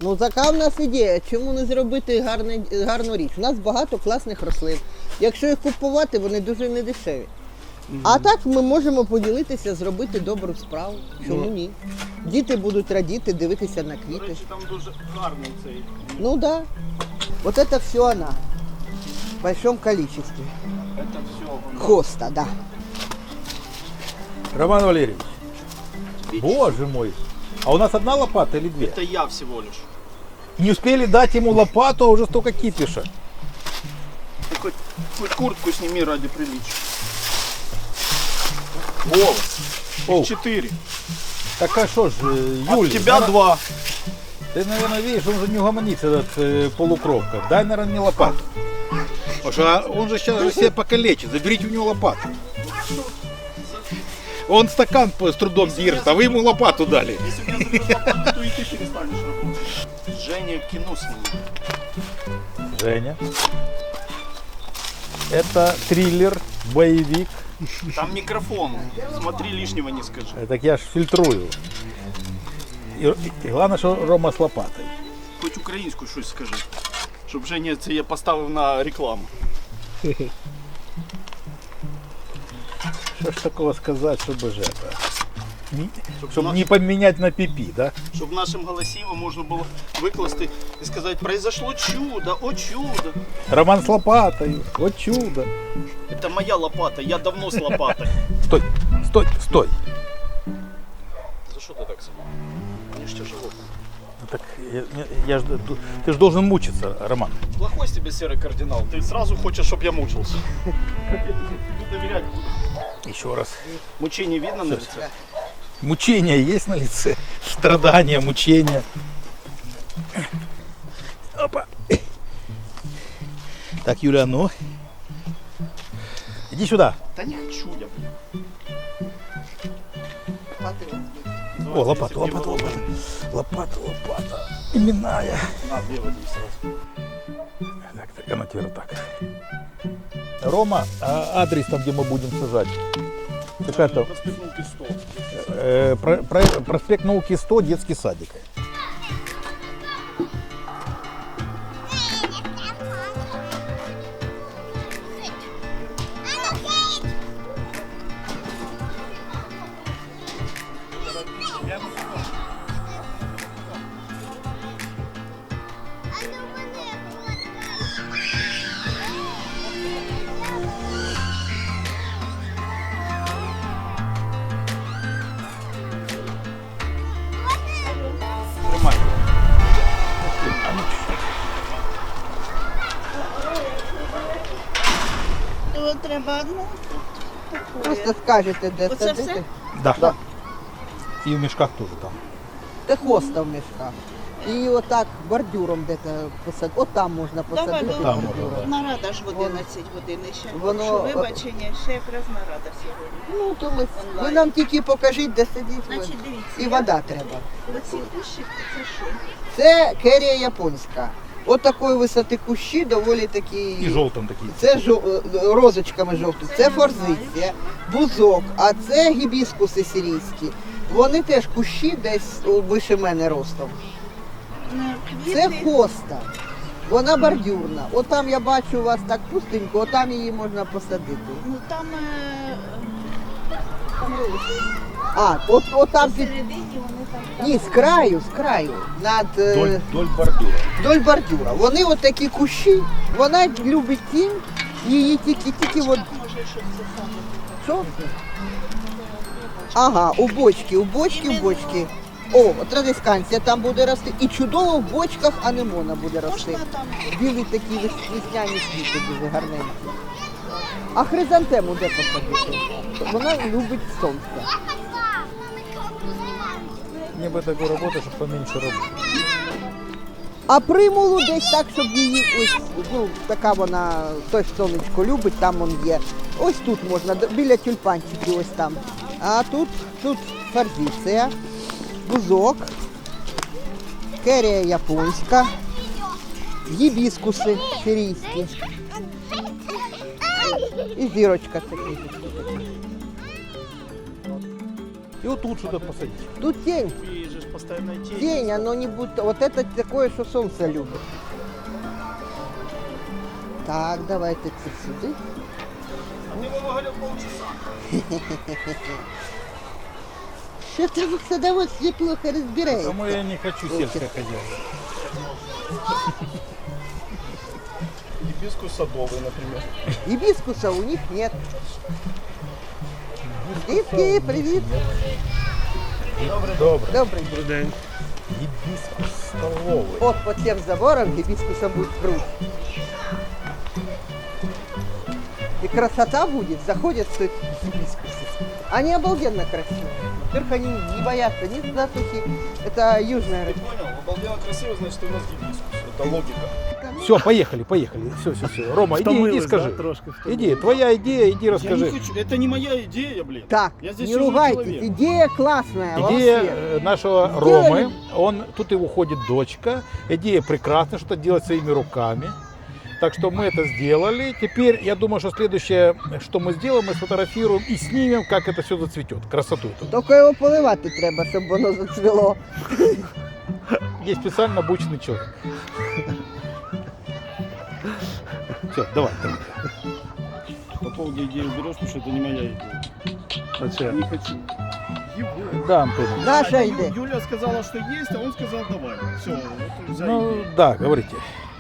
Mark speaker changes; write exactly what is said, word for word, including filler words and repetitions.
Speaker 1: Ну така в нас ідея, чому не зробити гарне, гарну річ. У нас багато класних рослин. Якщо їх купувати, вони дуже недешеві. Mm-hmm. А так ми можемо поділитися, зробити добру справу. Чому mm-hmm. ні? Діти будуть радіти, дивитися на квіти.
Speaker 2: До речі, там дуже гарний цей.
Speaker 1: Ну да. Вот это все она. В большом количестве.
Speaker 2: Это все.
Speaker 1: Хоста, да.
Speaker 3: Роман Валерьевич, боже мой, а у нас одна лопата или две?
Speaker 2: Это я всего лишь.
Speaker 3: Не успели дать ему лопату, а уже столько кипиша.
Speaker 2: Ты хоть, хоть куртку сними ради приличия. Волос.
Speaker 3: О.
Speaker 2: Четыре.
Speaker 3: Так а что ж, Юль,
Speaker 2: А у тебя
Speaker 3: наверное,
Speaker 2: два.
Speaker 3: Ты, наверное, видишь, он же не угомонится, этот э, полукровка. Дай, наверное, мне лопату. Потому что он же сейчас же себя покалечит. Заберите у него лопату. Он стакан с трудом держит, а вы ему лопату дали.
Speaker 2: Если у меня заберешь лопату, то и ты перестанешь работать. Женя кино снимет.
Speaker 3: Женя. Это триллер, боевик.
Speaker 2: Там микрофон. Смотри, лишнего не скажи.
Speaker 3: Э, Так я ж фильтрую. И, и главное, что Рома с лопатой.
Speaker 2: Хоть українську щось скажи. Щоб Женя це я поставив на рекламу.
Speaker 3: Что ж такого сказать, чтобы же это... Не,
Speaker 2: Щоб,
Speaker 3: чтобы
Speaker 2: на-
Speaker 3: не поменять на пипи, да?
Speaker 2: щоб нашим голосіво можна було викласти і сказати, произошло чудо, о чудо.
Speaker 3: Роман с лопатой, вот чудо.
Speaker 2: Это моя лопата, я давно с лопатой.
Speaker 3: Стой, стой, стой.
Speaker 2: За що ти так сама? Мені ж тяжело.
Speaker 3: Ну Так я, я ж, ты же должен мучиться, Роман.
Speaker 2: Плохой с тебе серый кардинал. Ты сразу хочешь, чтобы я мучился. Как я тебе буду доверять?
Speaker 3: Еще раз.
Speaker 2: Мучение видно на лице?
Speaker 3: Мучения есть на лице? Страдания, мучения. Опа. Так, Юля, ну. Иди сюда.
Speaker 2: Да не хочу я, блин.
Speaker 3: О, лопата, лопата, лопата. Лопата, лопата. Именная.
Speaker 2: На, две води сразу.
Speaker 3: Так, так, она теперь так. Рома, а адрес там, где мы будем сажать? Какая-то
Speaker 2: Проспект Науки сто.
Speaker 3: э, про- про- проспект Науки сто, детский садик. Тримай.
Speaker 4: То треба одну.
Speaker 1: Просто скажете, де
Speaker 4: Оце
Speaker 1: садити.
Speaker 4: все?
Speaker 3: Да.
Speaker 1: Да.
Speaker 3: И в мешках тоже там.
Speaker 1: Це хоста в мішках. І отак бордюром де-то посадити. От там можна
Speaker 4: Давай,
Speaker 1: посадити
Speaker 3: Там
Speaker 1: бордюром.
Speaker 3: можна,
Speaker 4: Нарада ж в одинадцять годин ще.
Speaker 1: Воно-
Speaker 4: Що вибачення, ще якраз нарада сьогодні.
Speaker 1: Ну, то ми, ви нам тільки покажіть, де сидіть. ви.
Speaker 4: Значить, дивіться.
Speaker 1: І
Speaker 4: я-
Speaker 1: вода треба.
Speaker 4: Оці кущики, це що?
Speaker 1: Це керія японська. От такої висоти кущі доволі такі.
Speaker 3: И желтым такие.
Speaker 1: Це жо- е, розочками жовті, це форзиція, бузок, а це гібіскуси сирійські. Вони теж кущі десь о, вище мене ростом.
Speaker 4: Ну,
Speaker 1: Це
Speaker 4: квіти.
Speaker 1: хоста. Вона бордюрна. От там я бачу у вас так пустенько, от там її можна посадити.
Speaker 4: Ну там, е, там рози.
Speaker 1: А, от, от там під.
Speaker 4: Посередині вони там.
Speaker 1: Ні, з краю, з краю. Над е,
Speaker 3: Вдоль, вдоль бордюра.
Speaker 1: вдоль бордюра. Вони от такі кущі, вона любить тінь, її тільки тільки от.
Speaker 4: Може, щось це саме.
Speaker 1: Що? Ага, у бочки, у бочки, у бочки. О, традисканція там буде рости. І чудово в бочках анемона буде рости.
Speaker 4: Можна там.
Speaker 1: Білі такі вес- весняні квіти дуже гарненькі. А хризантему де посадити? Вона любить сонце.
Speaker 3: Мне бы такую работу, чтобы поменьше работать.
Speaker 1: А примулу десь так, щоб її ось, ну, така вона, той сонечко любить, там вон є. Ось тут можна, д- біля тюльпанчиків ось там. А тут, тут форзиція, бузок, керія японська, гібіскуси сирійські. І зірочка така.
Speaker 3: И вот тут что-то посадить.
Speaker 1: Тут тінь.
Speaker 2: Ей же ж постоянная тень.
Speaker 1: Тень, оно не будет. Вот это такое, что солнце любит. Так, давайте це сюди.
Speaker 2: А ты его говорил полчаса.
Speaker 1: Что там в садоводстве плохо разбирается?
Speaker 3: Тому я не хочу сельское хозяйство.
Speaker 2: Гибискус садовый, например.
Speaker 1: Гибискуса у них нет. Дивки, привет.
Speaker 3: Добре.
Speaker 1: Добрый.
Speaker 2: Добрый день.
Speaker 3: Гибискус столовый.
Speaker 1: Вот под тем забором гибискуса будет пруд. И красота будет, заходят тут гибискусы. Они обалденно красивые. Во-первых, они не боятся ни засухи. Это южная рыба.
Speaker 2: Понял, обалденно красиво, значит, у нас гибискус. Это логика.
Speaker 3: Все, поехали, поехали. Все, все, все. Рома, иди, иди,
Speaker 2: Втомилась,
Speaker 3: скажи.
Speaker 2: да, трошки втомилась.
Speaker 3: Иди, твоя идея, иди
Speaker 2: Я
Speaker 3: расскажи.
Speaker 2: не хочу, это не моя идея, блин.
Speaker 1: Так,
Speaker 2: Я здесь
Speaker 1: не
Speaker 2: чужой
Speaker 1: ругайтесь,
Speaker 2: человек.
Speaker 1: идея классная.
Speaker 3: Идея
Speaker 1: волосвет.
Speaker 3: э, нашего
Speaker 1: Сделали.
Speaker 3: Ромы, он, тут и уходит дочка. Идея прекрасная, что-то делать своими руками. Так что мы это сделали. Теперь, я думаю, что следующее, что мы сделаем, мы сфотографируем и снимем, как это все зацветет. Красоту эту.
Speaker 1: Тільки його поливати треба, щоб воно зацвіло.
Speaker 3: Есть специально обученный человек. Все, давай, давай.
Speaker 2: По поводу идеи уберешь, потому что это не моя идея. Не хочу. Его.
Speaker 3: Да, Антон.
Speaker 1: Даша
Speaker 2: А,
Speaker 1: йде.
Speaker 2: Ю- Юля сказала, что есть, а он сказал давай. Все, вот взял
Speaker 3: Ну,
Speaker 2: идею.
Speaker 3: да, говорите.